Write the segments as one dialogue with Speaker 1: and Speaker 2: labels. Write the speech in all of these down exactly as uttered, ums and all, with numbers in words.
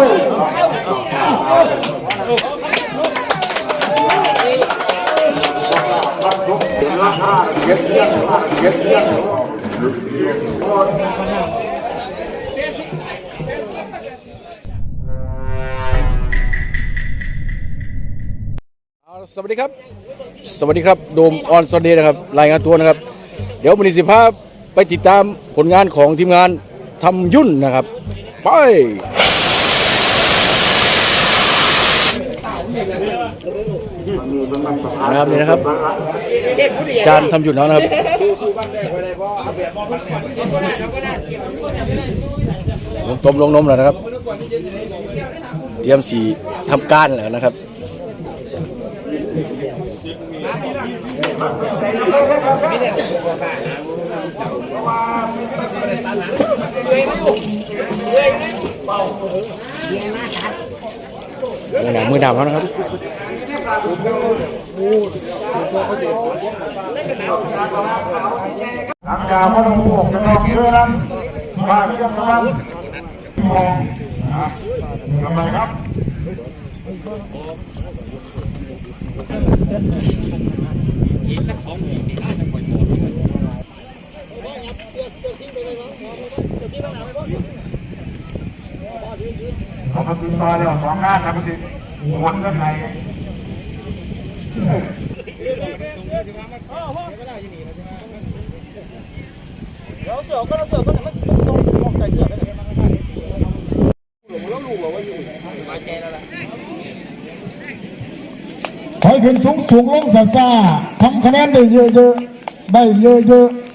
Speaker 1: สวัสดีครับสวัสดีครับโดมออนซอนเดย์นะครับรายงานตัวนะครับเดี๋ยววันนี้สิพาไปติดตามผลงานของทีมงานทำยุ่นนะครับไปนะครับนี่นะครับจานทำยุ่นแล้วนะครับลงต้มลงนมแล้วนะครับเตรียมสีทำการแล้วนะครับมือหนามือดำแล้วนะครับ
Speaker 2: ทางการก็ต้องพวกจะต้องเชื่อนั้นมาเชื่อนั้นมองทำไมครับอีกสักสองหมื่นน่าจะปล่อยหมดเขามาติดต่อเรื่องสองงานนะพี่วนกันไหนเราเสือก็เราเสือก็แต่มันต้องมองใจเสือกันเลยหลงแล้วลูกเราว่าอยู่มาแกแล้วล่ะ
Speaker 3: ถอยขึ้นสูงสูงลงซาซาทำคะแนนได้เยอะๆได้เยอะๆ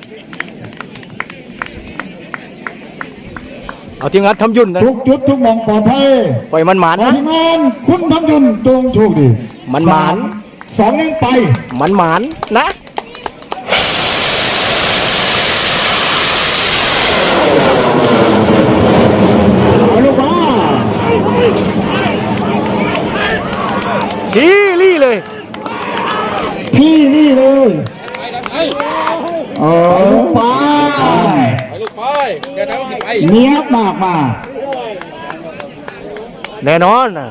Speaker 1: เอาทีมงานทำยุ่นนะ
Speaker 3: ทุกจุดทุกมองปลอดภัย
Speaker 1: ปล่อยมันหมานนะ
Speaker 3: ทีมงานคุณทำยุ่นตรงโชคดี
Speaker 1: มันหมาน
Speaker 3: สองนึ่งไป
Speaker 1: มันหมานนะ
Speaker 3: เอาลูกมา
Speaker 1: พี่ลี่เลย
Speaker 3: พี่ลี่เลยเออไป
Speaker 1: ไปลูกไปจะทำไป
Speaker 3: เนี้ยมากมา
Speaker 1: แน่นอนนะ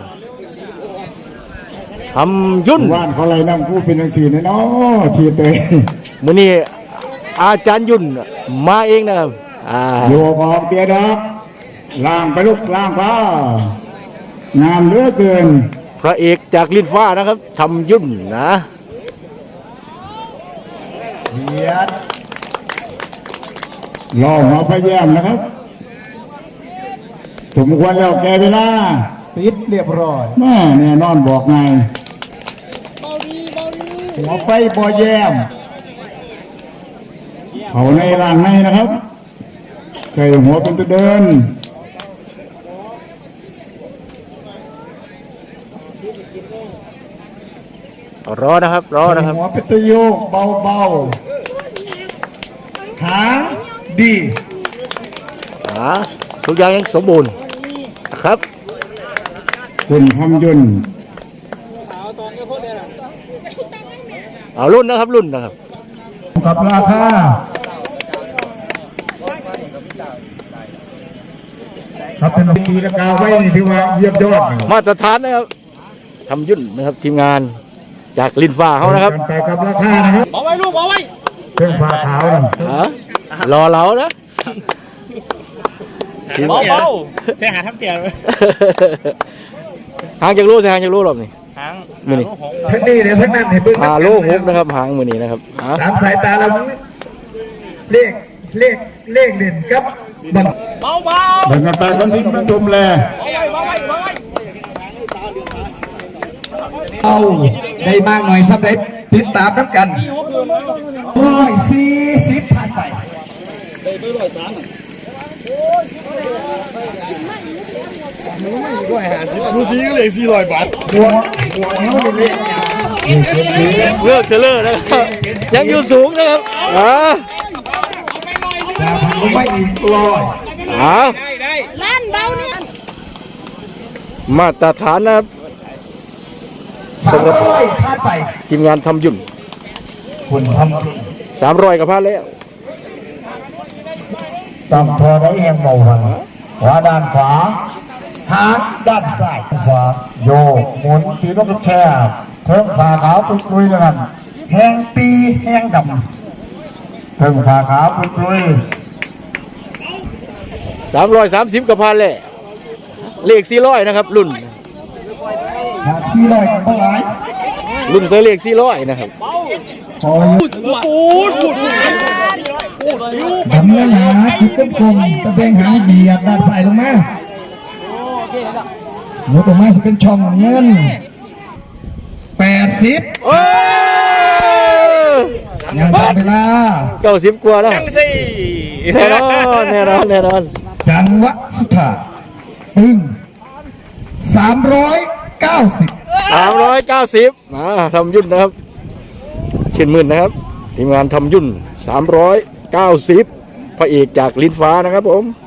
Speaker 1: ทำยุ่น
Speaker 3: ว่านเขาอะไรนั่งพูดเป็นอย่างสี่เนาะทีเตย
Speaker 1: มื้อนี้อาจารย์ยุ่นมาเองนะครับ
Speaker 3: โยกออกเบียร์ดับล่างไปลูกล่างฟ้างามเหลือเกิน
Speaker 1: พระเอกจากลิ้นฟ้านะครับทำยุ่นนะ
Speaker 3: เบียดรอหัวพระแย้มนะครับสมควรแล้วแกเวลาปิดเรียบร้อยแม่แน่นอนบอกไงหัวไฟบ่อแย้มเขาในร่างในนะครับใส่หัวเป็นตัวเดิน
Speaker 1: รอนะครับรอนะครับ
Speaker 3: หัวเป็นตัวโยกเบาๆหางดี
Speaker 1: ทุกอย่างยังสมบูรณ์นะครับ
Speaker 3: คุณทำยุ่น
Speaker 1: เอารุ่นนะครับรุ่นนะครับ
Speaker 3: กับราคาครับเป็นปีละกาไว้ที่ว่าเยี่ยมยอด
Speaker 1: มาตรฐานนะครับทำยุ่นนะครับทีมงานจากลิ้นฟ้าเขานะครับ
Speaker 3: ไปกับราคานะครับ
Speaker 1: เอาไว้ลูกเอาไว้
Speaker 3: เครื่องฟ้าขาวนะ
Speaker 1: รอเรานะ
Speaker 2: เบาเบาเสียหาทำเตี๋ยว
Speaker 1: หางจากลูกหางจากลูกหรอนี่
Speaker 2: หาง
Speaker 1: มือนี่
Speaker 3: ทั้งนี้เนี่ยทั้งนั้นเห็นเบื้อง
Speaker 1: หาโลหกนะครับหางมือนี่นะครับ
Speaker 3: ตามสายตาเราเลขเลขเลขเด่นครับบัง
Speaker 2: เบาเบา
Speaker 3: แบ่งกันไปคนที่มาชมแลเอาได้มากหน่อยสักเด็ดติดตามน้ำกันร้อยสี่สิบผ่านไปได้ไปร้อยสาม
Speaker 2: ดูซีก็เลยสี่ร้อยบาท
Speaker 3: หัวหัวเขาเป็นเลข
Speaker 1: เลือกเทเลอร์นะครับยังอยู่สูงนะครับอ่า
Speaker 3: จะพันไม่อีกร้อย
Speaker 1: อ่า
Speaker 4: ล้านเบาเนี่ย
Speaker 1: มาตรฐานนะครับ
Speaker 3: สามร้อยพลาดไป
Speaker 1: ทีมงานทำยุ่น
Speaker 3: คุณทำ
Speaker 1: สามร้อยกับพลาดแล้ว
Speaker 3: ตามพอได้แหงเบาหันขวาด้านขวาหางด้านซ้ายขวาโยกหมุนตีนกแช่เพิ่มผ่าขาวปุ้ยปุ้ยด้วยกันแห้งปีแห้งดำเพิ่มผ่าขาวปุ้ยปุ้ย
Speaker 1: สามร้อยสามสิบกระพันเลยเลขสี่ร้อยนะครับรุ่น
Speaker 3: หากสี่ร้อยกันเท่าไหร่
Speaker 1: รุ่นเซอร์เลขสี่ร้อยนะครับ
Speaker 3: พออยู่
Speaker 2: ปูดปูดปูด
Speaker 3: ดำเนินหาจุดเต็มกลมตะเบงหางเบียดด้านซ้ายลงมาหนูตรงมาจะเป็นช่องเงินแปดสิบ
Speaker 1: โอ้ย
Speaker 3: งานทำเวลา
Speaker 1: เก้าสิบกว่าแล้ว
Speaker 2: จังสี่
Speaker 1: แน่นอนแน่นอนแน่นอน
Speaker 3: จังหวะสุดท้ายตึงสามร้อยเก้าสิบ
Speaker 1: สามร้อยเก้าสิบมาทำยุ่นนะครับเช่นหมื่นนะครับทีมงานทำยุ่นสามร้อยเก้าสิบพระเอกจากลิ้นฟ้านะครับผม